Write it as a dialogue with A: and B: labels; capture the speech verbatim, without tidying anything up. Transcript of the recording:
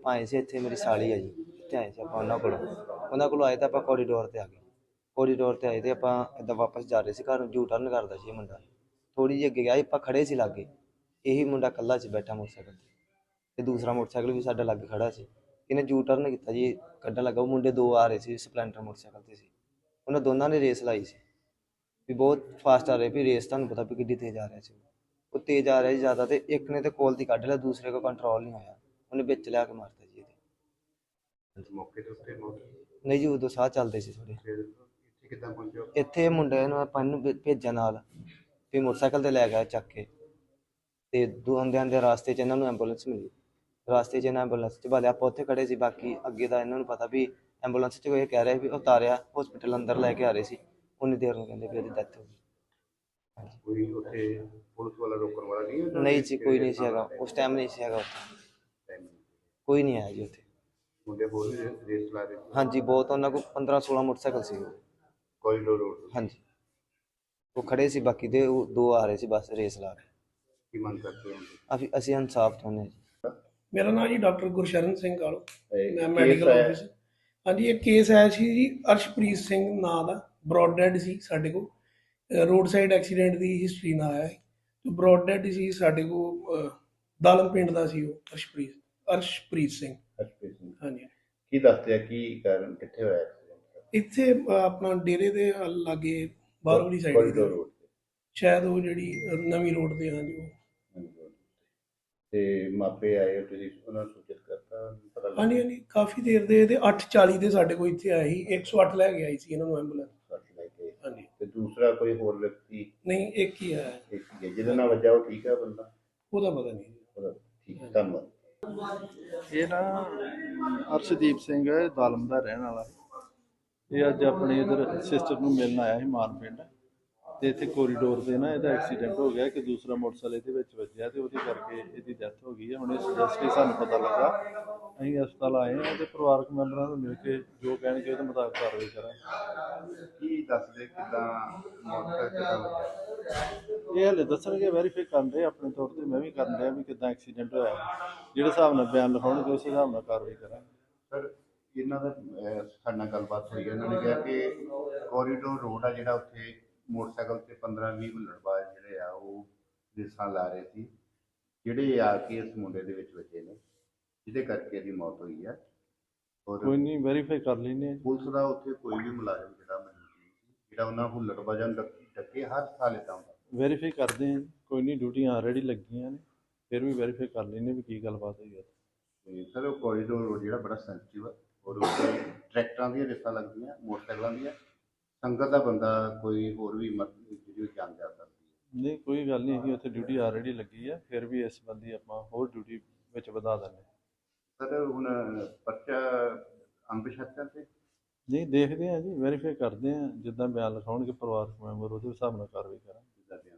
A: ਆਪਾਂ ਆਏ ਸੀ ਇੱਥੇ, ਮੇਰੀ ਸਾਲੀ ਹੈ ਜੀ, ਇੱਥੇ ਆਏ ਸੀ ਆਪਾਂ ਉਹਨਾਂ ਕੋਲ ਉਹਨਾਂ ਕੋਲੋਂ ਆਏ ਤਾਂ ਆਪਾਂ ਕੋਰੀਡੋਰ 'ਤੇ ਆ ਗਏ। ਕੋਰੀਡੋਰ 'ਤੇ ਆਏ ਅਤੇ ਆਪਾਂ ਇੱਦਾਂ ਵਾਪਸ ਜਾ ਰਹੇ ਸੀ ਘਰ ਨੂੰ, ਯੂ ਟਰਨ ਕਰਦਾ ਸੀ ਇਹ ਮੁੰਡਾ। ਥੋੜ੍ਹੀ ਜਿਹੀ ਅੱਗੇ ਗਿਆ, ਆਪਾਂ ਖੜ੍ਹੇ ਸੀ ਲਾਗੇ, ਇਹੀ ਮੁੰਡਾ ਇਕੱਲਾ ਸੀ ਬੈਠਾ ਮੋਟਰਸਾਈਕਲ 'ਤੇ, ਅਤੇ ਦੂਸਰਾ ਮੋਟਰਸਾਈਕਲ ਵੀ ਸਾਡਾ ਲਾਗੇ ਖੜ੍ਹਾ ਸੀ। ਇਹਨੇ ਯੂ ਟਰਨ ਕੀਤਾ ਜੀ, ਕੱਢਣ ਲੱਗਾ। ਉਹ ਮੁੰਡੇ ਦੋ ਆ ਰਹੇ ਸੀ ਸਪਲੈਂਡਰ ਮੋਟਰਸਾਈਕਲ 'ਤੇ ਸੀ, ਉਹਨਾਂ ਦੋਨਾਂ ਨੇ ਰੇਸ ਲਾਈ ਸੀ ਵੀ ਬਹੁਤ ਫਾਸਟ ਆ ਰਹੇ, ਵੀ ਰੇਸ ਤੁਹਾਨੂੰ ਪਤਾ ਵੀ ਕਿੱਡੀ ਤੇਜ਼ ਆ ਰਿਹਾ ਸੀ। ਉਹ ਤੇਜ਼ ਆ ਰਿਹਾ ਸੀ ਜ਼ਿਆਦਾ, ਅਤੇ ਇੱਕ ਨੇ ਤਾਂ ਕੋਲ ਦੀ ਕੱਢ ਲਿਆ, ਦੂਸਰੇ ਕੋਲ ਕੰਟਰੋਲ ਨਹੀਂ ਹੋਇਆ, ਉਹਨੇ ਵਿੱਚ ਲਿਆ ਕੇ ਮਾਰਤਾ ਜੀ ਇਹਦੇ।
B: ਮੌਕੇ ਦੇ ਉੱਤੇ ਮੌਤ
A: ਨਹੀਂ ਜੀ, ਉਦੋਂ ਸਾਹ ਚੱਲਦੇ ਸੀ ਥੋੜ੍ਹੇ।
B: ਫਿਰ ਇੱਥੇ ਕਿੱਦਾਂ ਪਹੁੰਚੇ?
A: ਇੱਥੇ ਮੁੰਡੇ ਨੂੰ ਆਪਾਂ ਇਹਨੂੰ ਭੇ- ਭੇਜਿਆ ਨਾਲ, ਫਿਰ ਮੋਟਰਸਾਈਕਲ 'ਤੇ ਲੈ ਗਿਆ ਚੱਕ ਕੇ, ਅਤੇ ਦੋ ਆਉਂਦੇ ਆਉਂਦੇ ਰਾਸਤੇ 'ਚ ਇਹਨਾਂ ਨੂੰ ਐਂਬੂਲੈਂਸ ਮਿਲੀ। ਰਾਸਤੇ 'ਚ ਇਹਨਾਂ ਐਂਬੂਲੈਂਸ 'ਚ ਵਾਲੇ ਆਪਾਂ ਉੱਥੇ ਖੜ੍ਹੇ ਸੀ, ਬਾਕੀ ਅੱਗੇ ਦਾ ਇਹਨਾਂ ਨੂੰ ਪਤਾ ਵੀ ਐਂਬੂਲੈਂਸ 'ਚ ਇਹ ਕਹਿ ਰਿਹਾ ਵੀ ਉਤਾਰਿਆ ਹੋਸਪਿਟਲ ਅੰਦਰ ਲੈ ਕੇ ਆ ਰਹੇ ਸੀ, ਉਨੀ ਦੇਰ ਨੂੰ ਕਹਿੰਦੇ ਵੀ ਇਹਦੀ ਡੈਥ ਹੋ ਗਈ। ਹਾਂਜੀ,
B: ਕੋਈ ਉੱਥੇ ਪੁਲਿਸ ਵਾਲਾ ਰੋਕਣ ਵਾਲਾ ਨਹੀਂ?
A: ਨਹੀਂ ਜੀ, ਕੋਈ ਨਹੀਂ ਸੀ ਹੈਗਾ ਉਸ ਟਾਈਮ, ਨਹੀਂ ਸੀ ਹੈਗਾ ਉੱਥੇ, ਕੋਈ ਨਹੀਂ ਆਇਆ ਜੀ ਉੱਥੇ।
B: ਮੁੰਡੇ ਹੋਰ ਵੀ ਰੇਸ ਲਾ ਰਹੇ ਸੀ?
A: ਹਾਂਜੀ, ਬਹੁਤ, ਉਹਨਾਂ ਕੋਲ ਪੰਦਰਾਂ ਸੋਲਾਂ ਮੋਟਰਸਾਈਕਲ ਸੀ
B: ਕੋਰੀਡੋਰ ਰੋਡ?
A: ਹਾਂਜੀ, ਉਹ ਖੜ੍ਹੇ ਸੀ, ਬਾਕੀ ਦੇ ਉਹ ਦੋ ਆ ਰਹੇ ਸੀ ਬਸ ਰੇਸ ਲਾ ਕੇ।
B: ਕੀ ਮੰਗ ਕਰਦੇ ਹੋ?
A: ਅਸੀਂ ਅਸੀਂ ਇਨਸਾਫ ਚਾਹੁੰਦੇ ਹਾਂ ਜੀ।
C: ਮੇਰਾ ਨਾਮ ਜੀ ਡਾਕਟਰ ਗੁਰਸ਼ਰਨ ਸਿੰਘ ਕਾਲੋ, ਮੈਂ ਮੈਡੀਕਲ ਆਫਿਸਰ। ਹਾਂਜੀ, ਇਹ ਕੇਸ ਆਇਆ ਸੀ ਜੀ ਅਰਸ਼ਪ੍ਰੀਤ ਸਿੰਘ ਨਾਂ ਦਾ, ਬਰੋਡ ਡੈਡ ਸੀ ਸਾਡੇ ਕੋਲ, ਰੋਡ ਸਾਈਡ ਐਕਸੀਡੈਂਟ ਦੀ ਹਿਸਟਰੀ ਨਾਲ ਆਇਆ ਹੈ। ਬਰੋਡ ਡੈਡ ਸੀ ਸਾਡੇ ਕੋਲ, ਦਾਲਮ ਪਿੰਡ ਦਾ ਸੀ ਉਹ, ਅਰਸ਼ਪ੍ਰੀਤ ਅਰਸ਼ਪ੍ਰੀਤ ਸਿੰਘ।
B: ਅਰਸ਼ਪ੍ਰੀਤ ਸਿੰਘ, ਹਾਂਜੀ।
C: ਕੀ
B: ਦੱਸਦੇ ਆ ਕੀ ਕਾਰਨ, ਕਿੱਥੇ ਹੋਇਆ ਐਕਸੀਡੈਂਟ?
C: ਇੱਥੇ ਆਪਣਾ ਡੇਰੇ ਦੇ ਲਾਗੇ ਬਾਹਰ ਵਾਲੀ ਸਾਈਡ
B: ਕੋਰੀਡੋਰ ਰੋਡ ਤੇ,
C: ਸ਼ਾਇਦ ਉਹ ਜਿਹੜੀ ਨਵੀਂ ਰੋਡ ਤੇ। ਹਾਂਜੀ, ਉਹ
B: ਤੇ ਮਾਪੇ ਆਏ, ਤੁਸੀਂ ਉਹਨਾਂ ਨੂੰ ਸੂਚਿਤ ਕਰਤਾ? ਪਤਾ ਲੱਗਾ?
C: ਹਾਂਜੀ ਹਾਂਜੀ, ਕਾਫੀ ਦੇਰ ਦੇ, ਇਹਦੇ ਅੱਠ ਚਾਲੀ ਦੇ ਸਾਡੇ ਕੋਲ ਇੱਥੇ ਆਏ ਸੀ, ਇੱਕ ਸੌ ਅੱਠ ਲੈ ਕੇ ਆਈ ਸੀ ਇਹਨਾਂ ਨੂੰ ਐਂਬੂਲੈਂਸ।
B: ਲੈ ਕੇ?
C: ਹਾਂਜੀ।
B: ਤੇ ਦੂਸਰਾ ਕੋਈ ਹੋਰ ਵਿਅਕਤੀ?
C: ਨਹੀਂ, ਇੱਕ ਹੀ ਆਇਆ।
B: ਇੱਕ ਹੀ ਹੈ ਜਿਹਦੇ ਨਾਲ ਵੱਜਾ, ਉਹ ਠੀਕ ਹੈ ਬੰਦਾ?
C: ਉਹਦਾ ਪਤਾ ਨਹੀਂ।
B: ਉਹਦਾ ਠੀਕ ਹੈ, ਧੰਨਵਾਦ।
D: ਇਹ ਨਾ ਅਰਸ਼ਦੀਪ ਸਿੰਘ ਹੈ, ਦਾਲਮ ਦਾ ਰਹਿਣ ਵਾਲਾ। ਇਹ ਅੱਜ ਆਪਣੇ ਇੱਧਰ ਸਿਸਟਰ ਨੂੰ ਮਿਲਣ ਆਇਆ ਸੀ ਮਾਨ ਪਿੰਡ, ਅਤੇ ਇੱਥੇ ਕੋਰੀਡੋਰ 'ਤੇ ਨਾ ਇਹਦਾ ਐਕਸੀਡੈਂਟ ਹੋ ਗਿਆ ਕਿ ਦੂਸਰਾ ਮੋਟਰਸਾਈਕਲ ਇਹਦੇ ਵਿੱਚ ਵੱਜਿਆ, ਅਤੇ ਉਹਦੇ ਕਰਕੇ ਇਹਦੀ ਡੈਥ ਹੋ ਗਈ ਹੈ। ਹੁਣ ਇਸ ਜਸਟਿਸ ਸਾਨੂੰ ਪਤਾ ਲੱਗਾ, ਅਸੀਂ ਹਸਪਤਾਲ ਆਏ ਹਾਂ, ਅਤੇ ਪਰਿਵਾਰਕ ਮੈਂਬਰਾਂ ਨੂੰ ਮਿਲ ਕੇ ਜੋ ਕਹਿਣਗੇ ਉਹਦੇ ਮੁਤਾਬਕ ਕਾਰਵਾਈ ਕਰਾਂਗੇ।
B: ਕੀ ਦੱਸਦੇ ਕਿੱਦਾਂ ਮੋਟਰਸਾਈਕਲ ਕਿੱਦਾਂ ਵੱਜਿਆ?
D: ਇਹ ਹਲੇ ਦੱਸਣਗੇ, ਵੈਰੀਫਾਈ ਕਰਨ ਦੇ ਆਪਣੇ ਤੌਰ 'ਤੇ, ਮੈਂ ਵੀ ਕਰਨ ਡਿਆ ਵੀ ਕਿੱਦਾਂ ਐਕਸੀਡੈਂਟ ਹੋਇਆ, ਜਿਹੜੇ ਹਿਸਾਬ ਨਾਲ ਬਿਆਨ ਲਿਖਾਉਣਗੇ ਉਸ ਹਿਸਾਬ ਨਾਲ ਕਾਰਵਾਈ ਕਰਾਂਗੇ।
B: ਸਰ, ਇਹਨਾਂ ਦਾ ਸਾਡੇ ਨਾਲ ਗੱਲਬਾਤ ਹੋਈ ਹੈ, ਇਹਨਾਂ ਨੇ ਕਿਹਾ ਕਿ ਕੋਰੀਡੋਰ ਰੋਡ ਆ ਜਿਹੜਾ, ਉੱਥੇ ਮੋਟਰਸਾਈਕਲ 'ਤੇ ਪੰਦਰਾਂ ਵੀਹ ਹੁੱਲੜਬਾਜ਼ ਜਿਹੜੇ ਆ ਉਹ ਰੇਸਾਂ ਲਾ ਰਹੇ ਸੀ, ਜਿਹੜੇ ਆ ਕੇ ਇਸ ਮੁੰਡੇ ਦੇ ਵਿੱਚ ਵੱਜੇ ਨੇ, ਜਿਹਦੇ ਕਰਕੇ ਇਹਦੀ ਮੌਤ ਹੋਈ ਹੈ। ਔਰ
D: ਕੋਈ ਨਹੀਂ, ਵੈਰੀਫਾਈ ਕਰ ਲੈਂਦੇ ਹਾਂ।
B: ਪੁਲਿਸ ਦਾ ਉੱਥੇ ਕੋਈ ਵੀ ਮੁਲਾਜ਼ਮ ਜਿਹੜਾ ਮੈਨੂੰ ਜਿਹੜਾ ਉਹਨਾਂ ਹੁੱਲੜਬਾਜ਼ਾਂ ਨੂੰ ਡੱਕੇ, ਹਰ ਸਾਲ ਇੱਦਾਂ ਹੁੰਦਾ।
D: ਵੈਰੀਫਾਈ ਕਰਦੇ ਹਾਂ, ਕੋਈ ਨਹੀਂ, ਡਿਊਟੀਆਂ ਆਲਰੇਡੀ ਲੱਗੀਆਂ ਨੇ, ਫਿਰ ਵੀ ਵੈਰੀਫਾਈ ਕਰ ਲੈਂਦੇ ਵੀ ਕੀ ਗੱਲਬਾਤ ਹੋਈ ਹੈ।
B: ਤੇ ਸਰ, ਉਹ ਕੋਰੀਡੋਰ ਰੋਡ ਜਿਹੜਾ ਬੜਾ ਸੈਂਸਿਟਿਵ ਆ, ਔਰ ਉੱਥੇ ਟਰੈਕਟਰਾਂ ਦੀਆਂ ਰੇਸਾਂ ਲੱਗਦੀਆਂ, ਮੋਟਰਸਾਈਕਲਾਂ ਦੀਆਂ, ਸੰਗਤ ਦਾ ਬੰਦਾ ਕੋਈ ਹੋਰ ਵੀ ਜਿਹੜੀ ਜਾਨ ਜਾ ਸਕਦੀ ਹੈ।
D: ਨਹੀਂ, ਕੋਈ ਗੱਲ ਨਹੀਂ, ਅਸੀਂ ਉੱਥੇ ਡਿਊਟੀ ਆਲਰੇਡੀ ਲੱਗੀ ਹੈ, ਫਿਰ ਵੀ ਇਸ ਸੰਬੰਧੀ ਆਪਾਂ ਹੋਰ ਡਿਊਟੀ ਵਿੱਚ ਵਧਾ ਦਿੰਦੇ।
B: ਸਰ, ਹੁਣ ਪਰਚਾ ਅੰਬਸ਼ਤਿਆਂ ਤੇ?
D: ਨਹੀਂ, ਦੇਖਦੇ ਹਾਂ ਜੀ, ਵੈਰੀਫਾਈ ਕਰਦੇ ਹਾਂ, ਜਿੱਦਾਂ ਬਿਆਨ ਲਿਖਾਉਣਗੇ ਪਰਿਵਾਰਕ ਮੈਂਬਰ ਉਹਦੇ ਹਿਸਾਬ ਨਾਲ ਕਾਰਵਾਈ ਕਰਾਂਗੇ।